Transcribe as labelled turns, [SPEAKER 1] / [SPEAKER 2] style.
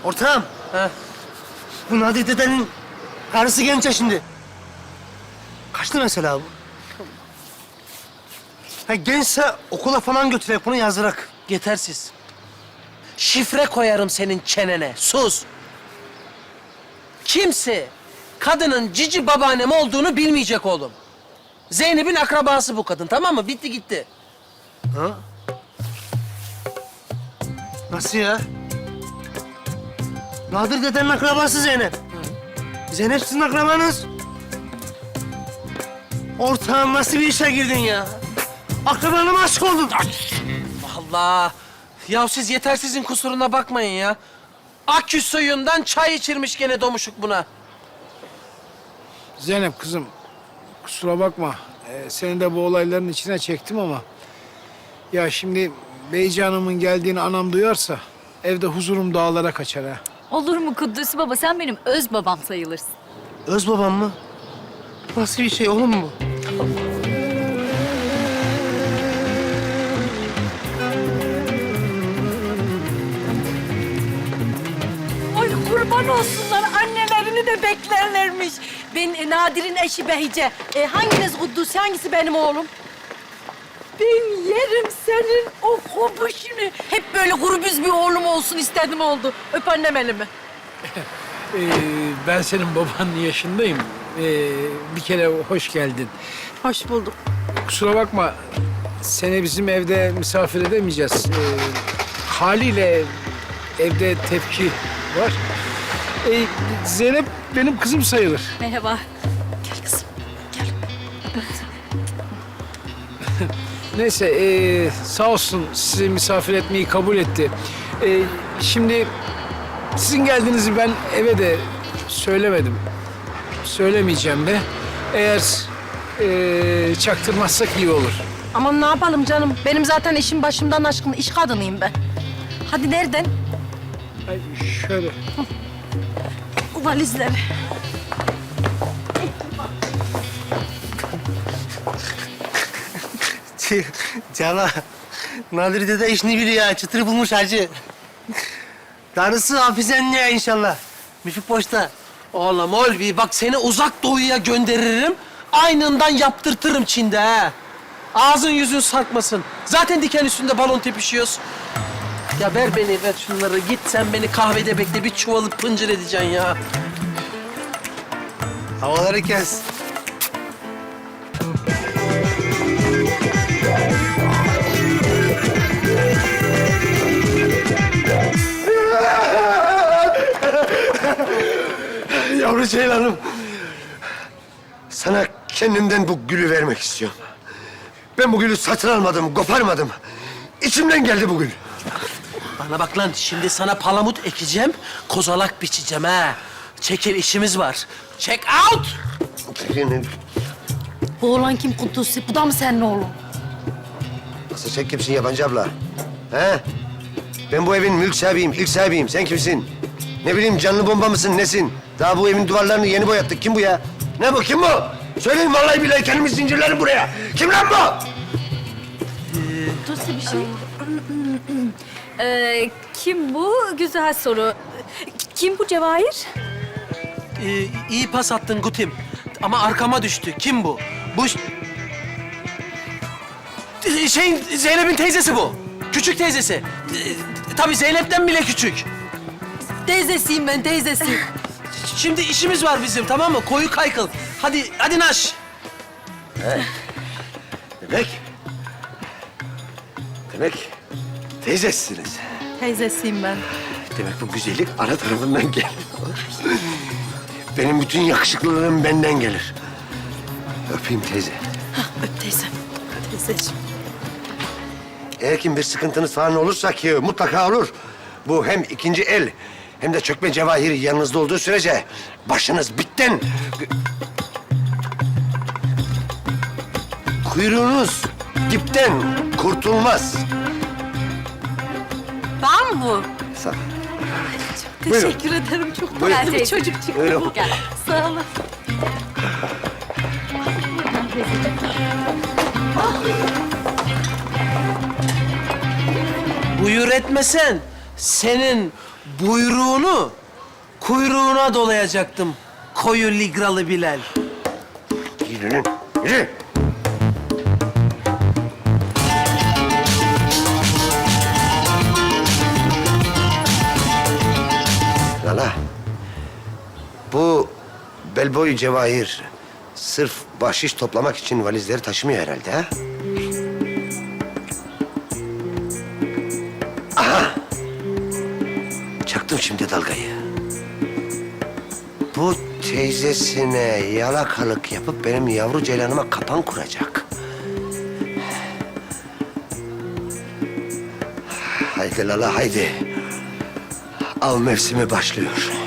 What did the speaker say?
[SPEAKER 1] Ortağım.
[SPEAKER 2] Ha.
[SPEAKER 1] Bu Nadir dedenin karısı genç ya şimdi. Kaçtı mesela bu? Ha, gençse okula falan götürerek bunu yazdırak.
[SPEAKER 2] Yetersiz. Şifre koyarım senin çenene. Sus. Kimse kadının cici babaannem olduğunu bilmeyecek oğlum. Zeynep'in akrabası bu kadın, tamam mı? Bitti gitti.
[SPEAKER 1] Ha? Nasıl ya? Nadir dedenin akrabası Zeynep. Zeynep sizin akrabanız. Ortağım nasıl bir işe girdin ya? Akrabana mı aşık oldun?
[SPEAKER 2] Allah! Ya siz yetersizin kusuruna bakmayın ya. Akü suyundan çay içirmiş gene domuşuk buna.
[SPEAKER 3] Zeynep kızım, kusura bakma. Seni de bu olayların içine çektim ama... Ya şimdi Beyci Hanım'ın geldiğini anam duyarsa... evde huzurum dağlara kaçar ha.
[SPEAKER 4] Olur mu Kudüs baba? Sen benim öz babam sayılırsın.
[SPEAKER 1] Öz babam mı? Nasıl bir şey oğlum bu?
[SPEAKER 5] Ay kurban olsunlar, annelerini de beklerlermiş. Ben Nadir'in eşi Behice. Hanginiz Kuddus, hangisi benim oğlum? Ben yerim senin o kopuşunu. Hep böyle grubüz bir oğlum olsun istedim oldu. Öp annem elimi.
[SPEAKER 3] Ben senin babanın yaşındayım. Bir kere hoş geldin.
[SPEAKER 5] Hoş bulduk.
[SPEAKER 3] Kusura bakma, seni bizim evde misafir edemeyeceğiz. Haliyle evde tepki var. Zeynep benim kızım sayılır.
[SPEAKER 4] Merhaba.
[SPEAKER 5] Gel kızım, gel.
[SPEAKER 3] Neyse, sağ olsun sizi misafir etmeyi kabul etti. Şimdi sizin geldiğinizi ben eve de söylemedim. Söylemeyeceğim de. Eğer çaktırmazsak iyi olur.
[SPEAKER 5] Aman ne yapalım canım? Benim zaten işim başımdan aşkın, iş kadınıyım ben. Hadi nereden?
[SPEAKER 3] Ay, şöyle.
[SPEAKER 5] Valizleri.
[SPEAKER 1] Cana, Nadir dede işini biliyor ya. Çıtır bulmuş hacı. Darısı Hafize'nin inşallah. Müfik boşta.
[SPEAKER 2] Oğlum Olvi bak seni uzak doğuya gönderirim. Aynından yaptırtırım Çin'de ha. Ağzın yüzün sarkmasın. Zaten diken üstünde balon tepişiyoruz. Ya ver beni, ver şunları. Git sen beni kahvede bekle. Bir çuvalı pıncır edeceksin ya.
[SPEAKER 1] Havaları kes.
[SPEAKER 6] Yavru ceylanım. Sana kendimden bu gülü vermek istiyorum. Ben bu gülü satın almadım, koparmadım. İçimden geldi bu gül.
[SPEAKER 2] Bana bak lan, şimdi sana palamut ekeceğim, kozalak biçeceğim ha. Çekil, işimiz var. Check out!
[SPEAKER 5] Bu oğlan kim Kudüs'ü? Bu da mı senin oğlun?
[SPEAKER 6] Nasıl sen kimsin yabancı abla? He? Ben bu evin mülk sahibiyim, ilk sahibiyim. Sen kimsin? Ne bileyim canlı bomba mısın, nesin? Daha bu evin duvarlarını yeni boyattık. Kim bu ya? Ne bu, kim bu? Söyleyin vallahi billahi kendimi zincirlerim buraya. Kim lan bu?
[SPEAKER 4] Kudüs'e bir şey. Kim bu? Güzel soru. Kim bu Cevahir?
[SPEAKER 2] İyi pas attın Gutim. Ama arkama düştü. Kim bu? Bu... Zeynep'in teyzesi bu. Küçük teyzesi. Tabii Zeynep'ten bile küçük.
[SPEAKER 5] Teyzesiyim ben, teyzesiyim.
[SPEAKER 2] Şimdi işimiz var bizim, tamam mı? Koyu kaykıl. Hadi naş.
[SPEAKER 6] Demek teyzesiniz.
[SPEAKER 5] Teyzesiyim ben.
[SPEAKER 6] Demek bu güzellik ana tarafından geliyor. Benim bütün yakışıklılığım benden gelir. Öpeyim teyze.
[SPEAKER 5] Öp teyzem. Teyzeciğim.
[SPEAKER 6] Eğer kim bir sıkıntınız falan olursa ki mutlaka olur. Bu hem ikinci el hem de çökme cevahiri yanınızda olduğu sürece başınız bitten. Kuyruğunuz dipten kurtulmaz.
[SPEAKER 5] Ben mi bu?
[SPEAKER 6] Sağ ol.
[SPEAKER 5] Teşekkür ederim. Çok
[SPEAKER 6] Buyurun.
[SPEAKER 5] tatlı bir çocuk çıktı
[SPEAKER 6] Buyurun.
[SPEAKER 5] bu. Gel. Sağ olun.
[SPEAKER 2] Buyur etmesen senin buyruğunu kuyruğuna dolayacaktım. Koyu ligralı Bilal.
[SPEAKER 6] Yürü lan, yürü. Lala, bu bel boyu Cevahir sırf bahşiş toplamak için valizleri taşımıyor herhalde ha? Aha! Çaktım şimdi dalgayı. Bu teyzesine yalakalık yapıp benim yavru ceylanıma kapan kuracak. Haydi Lala haydi. Av mevsimi başlıyor.